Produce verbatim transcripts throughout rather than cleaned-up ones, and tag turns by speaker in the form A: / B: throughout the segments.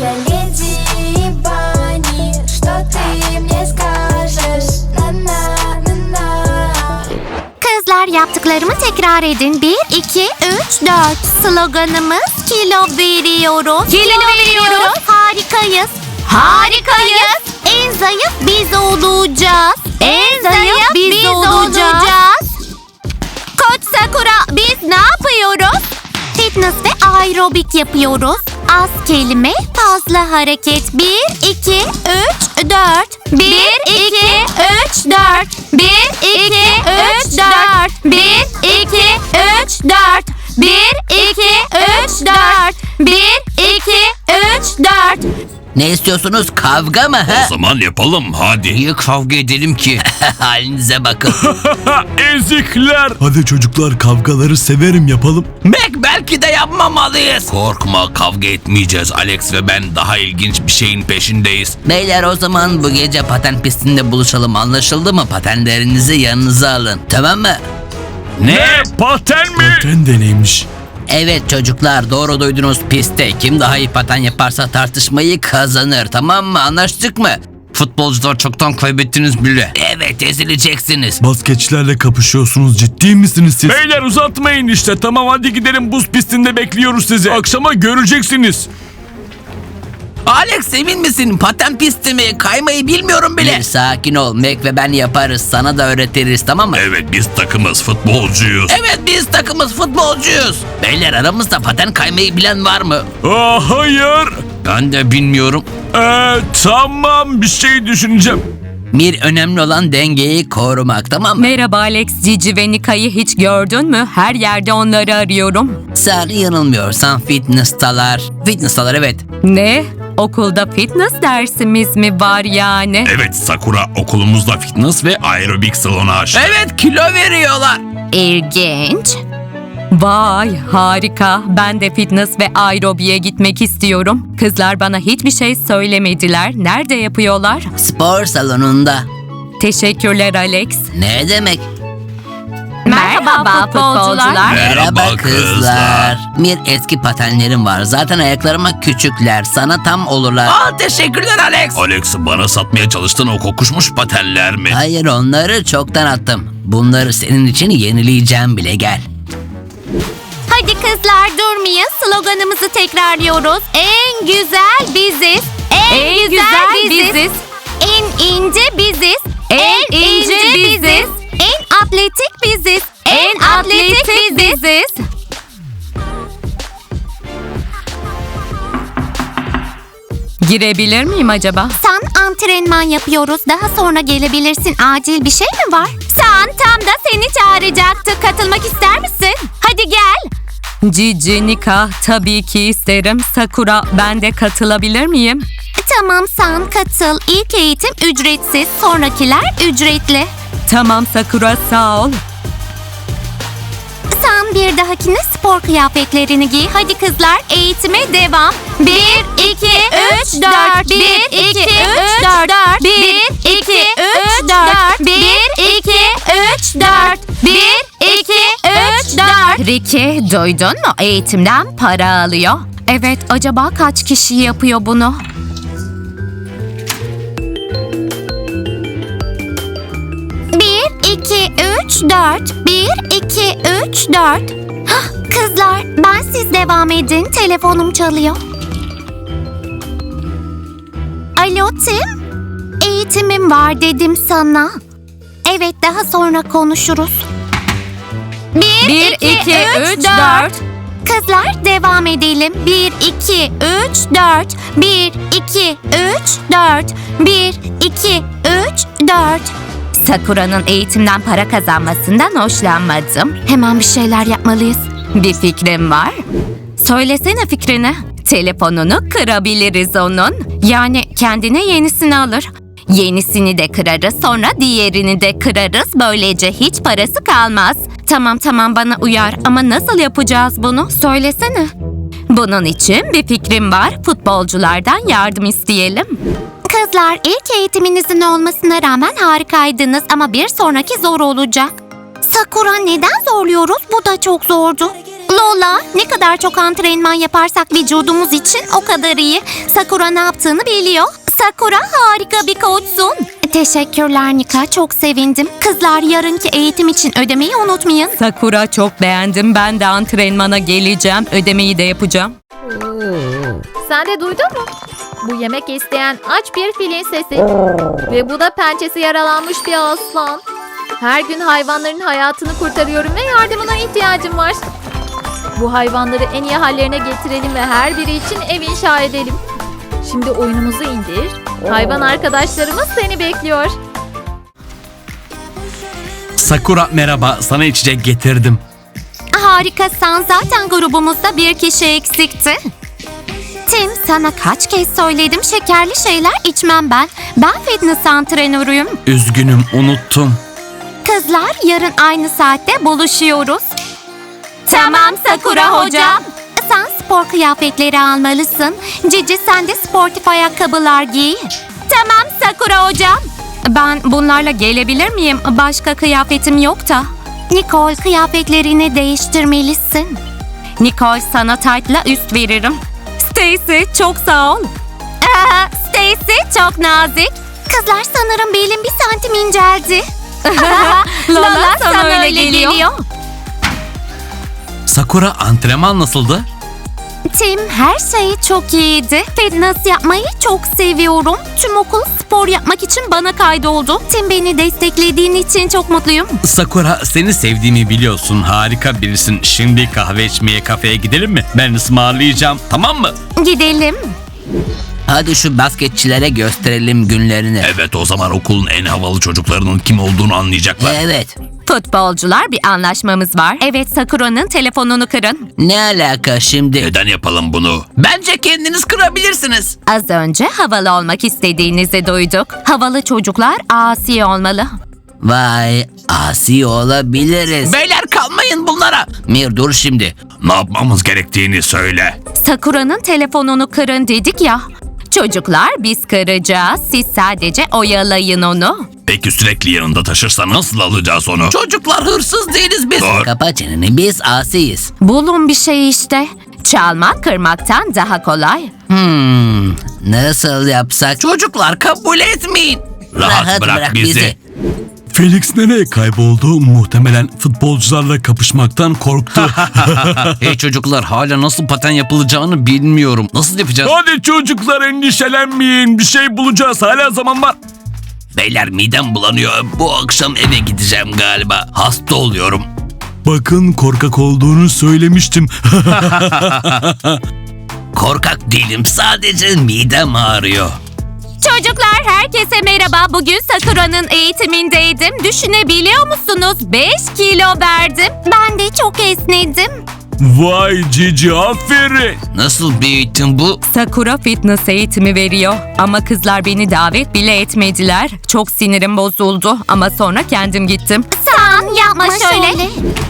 A: Я леди Банни, что ты мне скажешь? На-на-на-на.
B: Kızlar, yaptıklarımı tekrar edin. Bir, iki, üç, dört. Sloganımız kilo veriyoruz. Kilo veriyoruz. Harikayız. Harikayız. En zayıf biz olacağız. En zayıf biz olacağız. Koç Sakura, biz ne yapıyoruz? Fitness ve aerobik yapıyoruz. Az kelime, fazla hareket. Bir, iki, üç, dört. Bir, iki, üç, dört. Bir, iki, üç, dört. Bir, iki, üç, dört. Bir, iki, üç, dört. Bir, iki, üç, dört.
C: Ne istiyorsunuz? Kavga mı?
D: O
C: Ha?
D: zaman yapalım hadi.
C: Niye kavga edelim ki? Halinize bakın.
D: Ezikler.
E: Hadi çocuklar, kavgaları severim, yapalım.
C: Mac, belki de yapmamalıyız.
D: Korkma, kavga etmeyeceğiz. Alex ve ben daha ilginç bir şeyin peşindeyiz.
C: Beyler, o zaman bu gece paten pistinde buluşalım, anlaşıldı mı? Patenlerinizi yanınıza alın, tamam mı?
D: Ne? Paten mi?
E: Paten de neymiş?
C: Evet çocuklar, doğru duydunuz, pistte kim daha iyi paten yaparsa tartışmayı kazanır, tamam mı? Anlaştık mı? Futbolcular çoktan kaybettiniz bile. Evet, ezileceksiniz.
E: Baskeçlerle kapışıyorsunuz, ciddi misiniz siz?
D: Beyler uzatmayın işte. Tamam hadi gidelim, buz pistinde bekliyoruz sizi. Akşama göreceksiniz.
C: Alex, emin misin? Paten pisti mi? Kaymayı bilmiyorum bile. Bir sakin ol, Mac ve ben yaparız. Sana da öğretiriz, tamam mı?
D: Evet, biz takımız, futbolcuyuz.
C: Evet, biz takımız, futbolcuyuz. Beyler, aramızda paten kaymayı bilen var mı?
D: Aa, hayır.
C: Ben de bilmiyorum.
D: Ee, tamam, bir şey düşüneceğim.
C: Bir önemli olan dengeyi korumak, tamam mı?
F: Merhaba Alex, Cici ve Nika'yı hiç gördün mü? Her yerde onları arıyorum.
C: Sen yanılmıyorsan fitness'talar. Fitness'talar, evet.
F: Ne? Okulda fitness dersimiz mi var yani?
D: Evet Sakura, okulumuzda fitness ve aerobik salonu açtı.
C: Evet, kilo veriyorlar.
B: İlginç.
F: Vay harika. Ben de fitness ve aerobiye gitmek istiyorum. Kızlar bana hiçbir şey söylemediler. Nerede yapıyorlar?
C: Spor salonunda.
F: Teşekkürler Alex.
C: Ne demek?
F: Merhaba futbolcular.
D: Merhaba kızlar.
C: Bir eski patenlerim var. Zaten ayaklarıma küçükler. Sana tam olurlar. Aa, teşekkürler Alex.
D: Alex, bana satmaya çalıştığın o kokuşmuş patenler mi?
C: Hayır, onları çoktan attım. Bunları senin için yenileyeceğim bile, gel.
B: Hadi kızlar, durmayın. Sloganımızı tekrarlıyoruz. En güzel biziz. En,
F: En
B: güzel,
F: güzel
B: biziz.
F: biziz.
B: En ince biziz.
F: En ince biziz.
B: En atletik biziz.
F: En atletik biziz. Girebilir miyim acaba?
B: Sen, antrenman yapıyoruz. Daha sonra gelebilirsin. Acil bir şey mi var? Sen, tam da seni çağıracaktı. Katılmak ister misin? Hadi gel.
F: Cici, Nika, tabii ki isterim. Sakura, ben de katılabilir miyim?
B: Tamam, sen katıl. İlk eğitim ücretsiz. Sonrakiler ücretli.
F: Tamam Sakura, sağ ol.
B: Sen bir dahakine spor kıyafetlerini giy. Hadi kızlar, eğitime devam. Bir, iki, üç, dört. Bir, iki, üç, dört. Bir, iki, üç, dört. Bir, iki, üç, dört. Bir, iki, üç, dört.
F: Ricky,
B: Duydun mu? Eğitimden para alıyor.
F: evet, acaba kaç kişi yapıyor bunu?
B: Bir, iki, üç, dört. Bir, iki, üç, dört. Hah, kızlar, ben siz devam edin. Telefonum çalıyor. Alo Tim? Eğitimim var dedim sana. Evet, daha sonra konuşuruz. Bir,
F: Bir, iki, üç, dört.
B: Kızlar, devam edelim. Bir, iki, üç, dört. Bir, iki, üç, dört. Bir, iki, üç, dört.
F: Sakura'nın eğitimden para kazanmasından hoşlanmadım.
B: Hemen bir şeyler yapmalıyız.
F: Bir fikrim var. Söylesene fikrini. Telefonunu kırabiliriz onun. Yani kendine yenisini alır. Yenisini de kırarız, sonra diğerini de kırarız. Böylece hiç parası kalmaz. Tamam tamam, bana uyar ama nasıl yapacağız bunu? Söylesene. Bunun için bir fikrim var. Futbolculardan yardım isteyelim.
B: Kızlar, ilk eğitiminizin olmasına rağmen harikaydınız ama bir sonraki zor olacak. Sakura, neden zorluyoruz? Bu da çok zordu. Lola, ne kadar çok antrenman yaparsak vücudumuz için o kadar iyi. Sakura ne yaptığını biliyor. Sakura harika bir koçsun. Teşekkürler Nika, çok sevindim. Kızlar, yarınki eğitim için ödemeyi unutmayın.
F: Sakura, çok beğendim. Ben de antrenmana geleceğim. Ödemeyi de yapacağım.
G: Sen de duydun mu? Bu yemek isteyen aç bir filin sesi. Ve bu da pençesi yaralanmış bir aslan. Her gün hayvanların hayatını kurtarıyorum ve yardımına ihtiyacım var. Bu hayvanları en iyi hallerine getirelim ve her biri için ev inşa edelim. Şimdi oyunumuzu indir. Hayvan arkadaşlarımız seni bekliyor.
D: Sakura merhaba, sana içecek getirdim.
B: Harikasın, zaten grubumuzda bir kişi eksikti. Tim, sana kaç kez söyledim, şekerli şeyler içmem ben. Ben fitness antrenörüyüm.
D: Üzgünüm, unuttum.
B: Kızlar, yarın aynı saatte buluşuyoruz. Tamam Sakura hocam. Sen spor kıyafetleri almalısın. Cici, sen de sportif ayakkabılar giy. Tamam Sakura hocam.
F: Ben bunlarla gelebilir miyim? Başka kıyafetim yok da.
B: Nicole, kıyafetlerini değiştirmelisin.
F: Nicole, sana taytla üst veririm. Stacy, çok sağ ol.
B: Aa, Stacy çok nazik. Kızlar, sanırım belim bir santim inceldi.
F: Lola, sana öyle geliyor.
D: Sakura, antrenman nasıldı?
B: Tim, her şey çok iyiydi. Fitness yapmayı çok seviyorum. Tüm okul spor yapmak için bana kaydoldu. Tim, beni desteklediğin için çok mutluyum.
D: Sakura, seni sevdiğimi biliyorsun. Harika birisin. Şimdi kahve içmeye kafeye gidelim mi? Ben ısmarlayacağım, tamam mı?
B: Gidelim.
C: Hadi şu basketçilere gösterelim günlerini.
D: Evet, o zaman okulun en havalı çocuklarının kim olduğunu anlayacaklar.
C: Evet.
F: Futbolcular, bir anlaşmamız var. Evet, Sakura'nın telefonunu kırın.
C: Ne alaka şimdi?
D: Neden yapalım bunu?
C: Bence kendiniz kırabilirsiniz.
F: Az önce havalı olmak istediğinizi duyduk. Havalı çocuklar asi olmalı.
C: Vay, asi olabiliriz. Beyler, kalmayın bunlara. Mir, dur şimdi.
D: Ne yapmamız gerektiğini söyle.
F: Sakura'nın telefonunu kırın dedik ya. Çocuklar, biz kıracağız. Siz sadece oyalayın onu.
D: Peki sürekli yanında taşırsa nasıl alacağız onu?
C: Çocuklar, hırsız değiliz biz.
D: Dur.
C: Kapa çeneni, biz asiyiz.
F: Bulun bir şey işte. Çalmak kırmaktan daha kolay.
C: Hmm, nasıl yapsak? Çocuklar, kabul etmeyin.
D: Rahat bırak bizi.
E: Felix nereye kayboldu? Muhtemelen futbolcularla kapışmaktan korktu.
C: Hey çocuklar, hala nasıl paten yapılacağını bilmiyorum. Nasıl yapacağız?
D: Hadi çocuklar, endişelenmeyin. Bir şey bulacağız. Hala zaman var.
C: Beyler, midem bulanıyor. Bu akşam eve gideceğim galiba. Hasta oluyorum.
E: Bakın, korkak olduğunu söylemiştim.
C: Korkak değilim, sadece midem ağrıyor.
F: Çocuklar, herkese merhaba. Bugün Sakura'nın eğitimindeydim. Düşünebiliyor musunuz? beş kilo verdim.
B: Ben de çok esnedim.
D: Vay Cici, aferin.
C: Nasıl bir eğitim bu?
F: Sakura fitness eğitimi veriyor. Ama kızlar beni davet bile etmediler. Çok sinirim bozuldu ama sonra kendim gittim.
B: Sen yapma şöyle.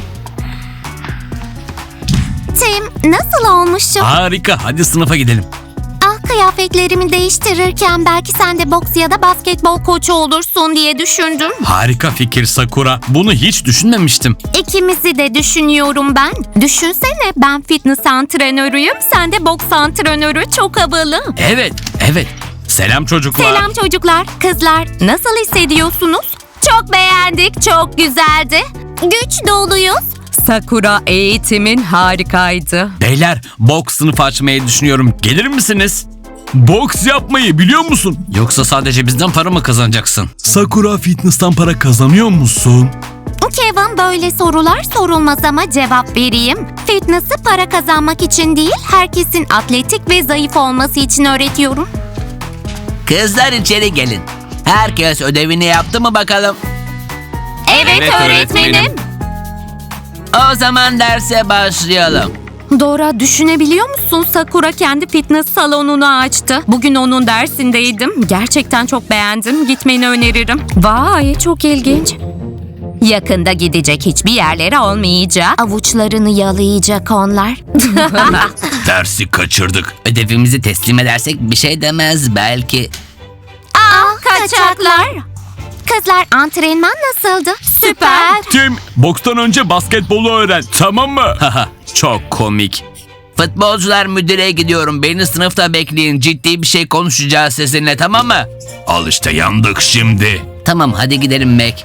B: Tim, nasıl olmuşum?
D: Harika, hadi sınıfa gidelim.
B: Ah, kıyafetlerimi değiştirirken belki sen de boks ya da basketbol koçu olursun diye düşündüm.
D: Harika fikir Sakura. Bunu hiç düşünmemiştim.
B: İkimizi de düşünüyorum ben. Düşünsene, ben fitness antrenörüyüm, sen de boks antrenörü. Çok havalı.
D: Evet, evet. Selam çocuklar.
B: Selam çocuklar. Kızlar, nasıl hissediyorsunuz? Çok beğendik, çok güzeldi. Güç doluyuz.
F: Sakura, eğitimin harikaydı.
D: Beyler, boks sınıfı açmayı düşünüyorum. Gelir misiniz? Boks yapmayı biliyor musun?
C: Yoksa sadece bizden para mı kazanacaksın?
E: Sakura, fitness'tan para kazanıyor musun?
B: Kevin, böyle sorular sorulmaz ama cevap vereyim. Fitness'ı para kazanmak için değil, herkesin atletik ve zayıf olması için öğretiyorum.
C: Kızlar, içeri gelin. Herkes ödevini yaptı mı bakalım?
B: Evet,
D: Evet, öğretmenim.
B: öğretmenim.
C: O zaman derse başlayalım.
F: Dora, düşünebiliyor musun? Sakura kendi fitness salonunu açtı. Bugün onun dersindeydim. Gerçekten çok beğendim. Gitmeni öneririm. Vay, çok ilginç. Yakında gidecek hiçbir yerlere olmayacak.
B: Avuçlarını yalayacak onlar.
D: Dersi kaçırdık.
C: Ödevimizi teslim edersek bir şey demez belki.
B: Ah, kaçaklar. Kızlar antrenman nasıldı? Süper.
E: Tim, bokstan önce basketbolu öğren, tamam mı?
D: Haha, çok komik.
C: Futbolcular müdüreye gidiyorum. Beni sınıfta bekleyin. Ciddi bir şey konuşacağız sizinle, tamam mı?
E: Al işte, yandık şimdi.
C: Tamam, hadi gidelim Mac.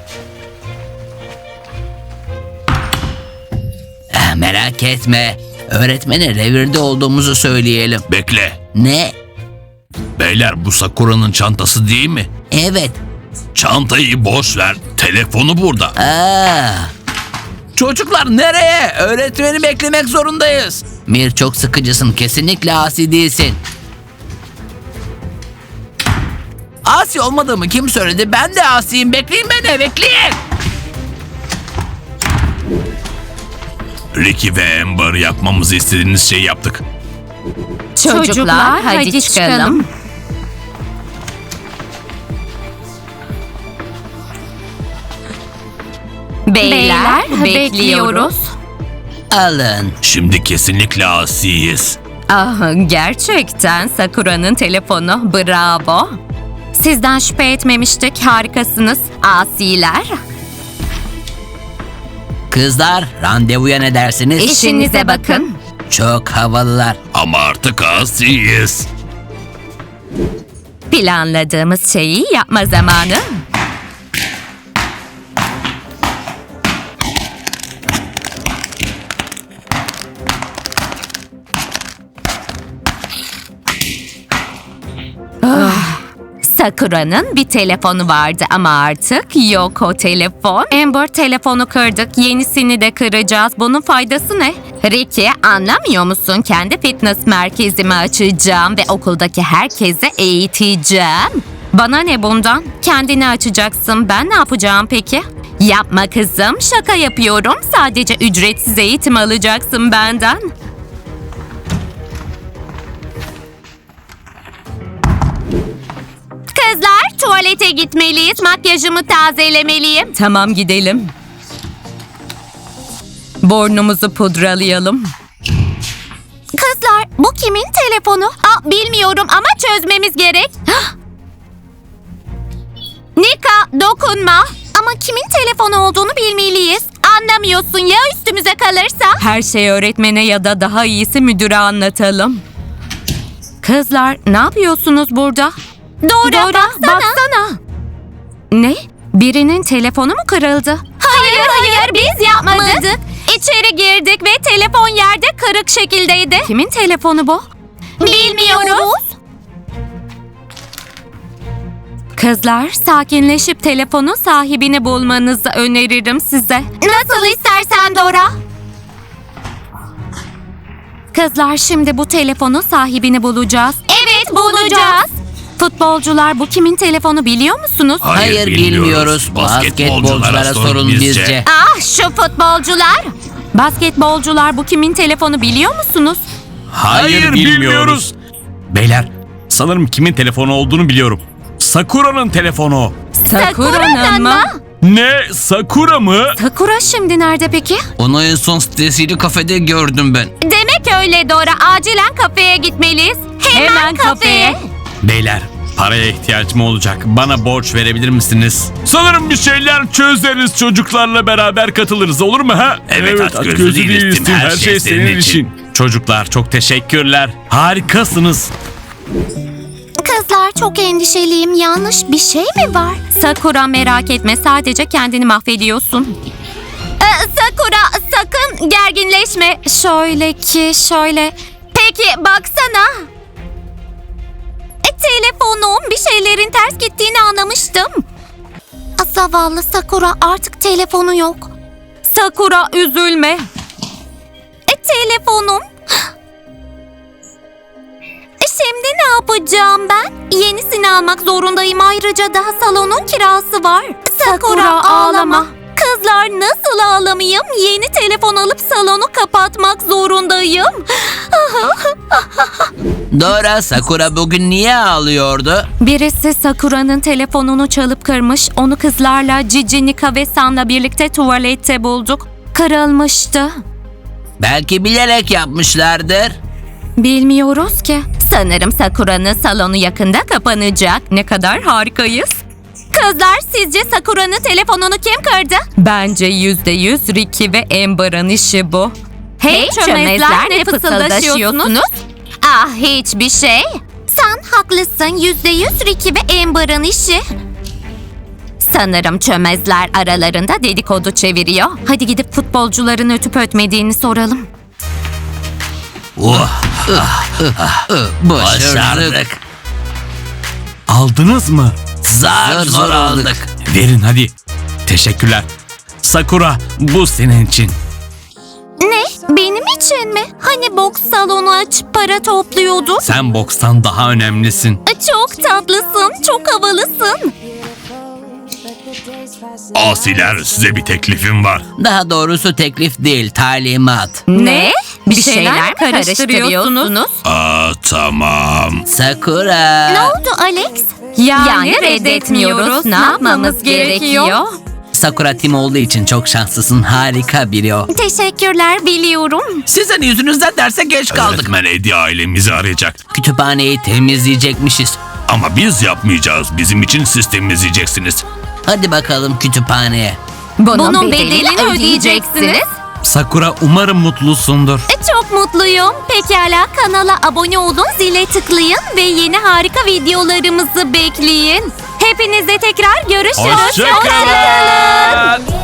C: Eh, merak etme. Öğretmene revirde olduğumuzu söyleyelim.
E: Bekle.
C: Ne?
E: Beyler, bu Sakura'nın çantası değil mi?
C: Evet.
E: Çantayı boş ver. Telefonu burada.
C: Aa. Çocuklar nereye? Öğretmeni beklemek zorundayız. Mir, çok sıkıcısın. Kesinlikle asi değilsin. Asi olmadığımı kim söyledi? Ben de asiyim. Bekleyin beni, bekleyin.
E: Ricky ve Amber, yapmamızı istediğiniz şeyi yaptık.
F: Çocuklar, hadi çıkalım. Beyler, bekliyoruz.
C: Alın.
E: Şimdi kesinlikle asiyiz.
F: Ah, gerçekten Sakura'nın telefonu, bravo. Sizden şüphe etmemiştik, harikasınız asiler.
C: Kızlar, randevuya ne dersiniz?
F: İşinize bakın.
C: Çok havalılar.
E: Ama artık asiyiz.
F: Planladığımız şeyi yapma zamanı. Ah, Sakura'nın bir telefonu vardı ama artık yok o telefon. Amber, telefonu kırdık, yenisini de kıracağız. Bunun faydası ne? Ricky, anlamıyor musun? Kendi fitness merkezimi açacağım ve okuldaki herkese eğiteceğim. Bana ne bundan? Kendini açacaksın. Ben ne yapacağım peki? Yapma kızım, şaka yapıyorum. Sadece ücretsiz eğitim alacaksın benden.
B: Kızlar tuvalete gitmeliyiz. Makyajımı tazelemeliyim.
F: Tamam, gidelim. Burnumuzu pudralayalım.
B: Kızlar bu kimin telefonu? Aa, bilmiyorum ama çözmemiz gerek. Hah! Nika dokunma. Ama kimin telefonu olduğunu bilmeliyiz. Anlamıyorsun ya üstümüze kalırsa?
F: Her şeyi öğretmene ya da daha iyisi müdüre anlatalım. Kızlar, ne yapıyorsunuz burada?
B: Dora,
F: Dora,
B: baksana.
F: baksana. Ne? Birinin telefonu mu kırıldı?
B: Hayır hayır biz yapmadık. İçeri girdik ve telefon yerde kırık şekildeydi.
F: Kimin telefonu bu?
B: Bilmiyoruz.
F: Kızlar, sakinleşip telefonun sahibini bulmanızı öneririm size.
B: Nasıl istersen Dora.
F: Kızlar, şimdi bu telefonun sahibini bulacağız.
B: Evet bulacağız.
F: Futbolcular, bu kimin telefonu biliyor musunuz?
C: Hayır, bilmiyoruz. Basketbolculara sorun bizce.
B: Ah şu futbolcular.
F: Basketbolcular, bu kimin telefonu biliyor musunuz?
D: Hayır, bilmiyoruz. Beyler, sanırım kimin telefonu olduğunu biliyorum. Sakura'nın telefonu.
F: Sakura'nın mı?
E: Ne? Sakura mı?
F: Sakura şimdi nerede peki?
C: Onu en son Stacy'li kafede gördüm ben.
B: Demek öyle Dora. Acilen kafeye gitmeliyiz. Hemen,
F: Hemen kafeye.
D: Beyler, paraya ihtiyacım olacak. Bana borç verebilir misiniz?
E: Sanırım bir şeyler çözeriz, çocuklarla beraber katılırız, olur mu ha?
D: Evet, aç gözlü değiliz Tim. Her şey senin için. Çocuklar, çok teşekkürler. Harikasınız.
B: Kızlar çok endişeliyim. Yanlış bir şey mi var?
F: Sakura, merak etme, sadece kendini mahvediyorsun.
B: Ee, Sakura sakın gerginleşme.
F: Şöyle ki şöyle.
B: Peki baksana. E, telefonum bir şeylerin ters gittiğini anlamıştım. Zavallı Sakura artık telefonu yok.
F: Sakura, üzülme.
B: E, telefonum. E, şimdi ne yapacağım ben? Yenisini almak zorundayım. Ayrıca daha salonun kirası var. Sakura,
F: Sakura, ağlama.
B: Kızlar nasıl ağlamayayım? Yeni telefon alıp salonu kapatmak zorundayım.
C: Dora, Sakura bugün niye ağlıyordu?
F: Birisi Sakura'nın telefonunu çalıp kırmış. Onu kızlarla Cici, Nika ve San'la birlikte tuvalette bulduk. Kırılmıştı.
C: Belki bilerek yapmışlardır.
F: Bilmiyoruz ki. Sanırım Sakura'nın salonu yakında kapanacak. Ne kadar harikayız. Kızlar, sizce Sakura'nın telefonunu kim kırdı? Bence yüzde yüz Ricky ve Amber'ın işi bu. Hey çömezler, ne fısıldaşıyorsunuz?
B: Ah, hiçbir şey. Sen haklısın. Yüzde yüz Ricky ve Amber'ın işi.
F: Sanırım çömezler aralarında dedikodu çeviriyor. Hadi gidip futbolcuların ötüp ötmediğini soralım.
C: Oh, başardık.
D: Aldınız mı?
C: Zar zor aldık.
D: Verin hadi. Teşekkürler. Sakura, bu senin için.
B: Ne? Benim için mi? Hani boks salonu açıp para topluyordu?
D: Sen bokstan daha önemlisin.
B: Çok tatlısın, çok havalısın.
E: Asiler, size bir teklifim var.
C: Daha doğrusu teklif değil, talimat.
F: Ne? Bir şeyler mi karıştırıyorsunuz?
E: Aa, tamam.
C: Sakura.
B: Ne oldu Alex?
F: Yani reddetmiyoruz. Ne yapmamız gerekiyor?
C: Sakura Tim olduğu için çok şanslısın. Harika biri o.
B: Teşekkürler, biliyorum.
C: Sizin yüzünüzden derse geç kaldık.
E: Öğretmen Eddie ailemizi arayacak.
C: Kütüphaneyi temizleyecekmişiz.
E: Ama biz yapmayacağız. Bizim için siz temizleyeceksiniz.
C: Hadi bakalım kütüphaneye.
F: Bunun,
B: Bunun
F: bedelini,
B: bedelini
F: ödeyeceksiniz.
D: Sakura, umarım mutlusundur.
B: Çok mutluyum. Pekala, kanala abone olun, zile tıklayın ve yeni harika videolarımızı bekleyin. Hepinizle tekrar görüşürüz.
E: Hoşça kalın.